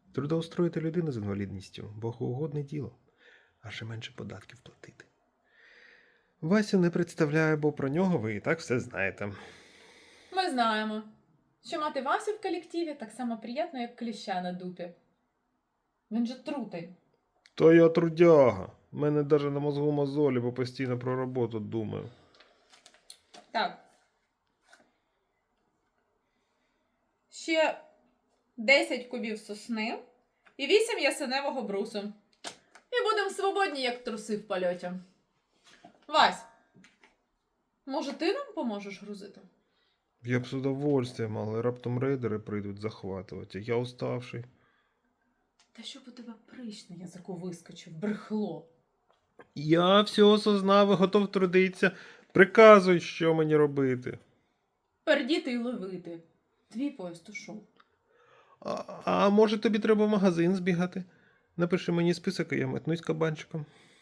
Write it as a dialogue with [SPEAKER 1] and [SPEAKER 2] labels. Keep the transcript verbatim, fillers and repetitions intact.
[SPEAKER 1] Трудоустроїти людину з інвалідністю – богоугодне діло, а ще менше податків платити. Васю не представляю, бо про нього ви і так все знаєте.
[SPEAKER 2] Ми знаємо, що мати Васю в колективі так само приємно, як кліща на дупі. Він же трутий.
[SPEAKER 1] То я трудяга. У мене навіть на мозгу мозолі, бо постійно про роботу думаю.
[SPEAKER 2] Так. Ще десять кубів сосни і вісім ясеневого брусу. І будемо свободні, як труси в польоті. Вась, може ти нам поможеш грузити?
[SPEAKER 1] Я б з удовольствием, але раптом рейдери прийдуть захватувати. Я уставший.
[SPEAKER 2] Та щоб у тебе прищ на язику вискочив, брехло.
[SPEAKER 1] Я все осознав і готов трудитися. Приказуй, що мені робити.
[SPEAKER 2] Пердіти й ловити. Твій поїзд ушов.
[SPEAKER 1] А, а може тобі треба в магазин збігати? Напиши мені список, і я метнусь кабанчиком.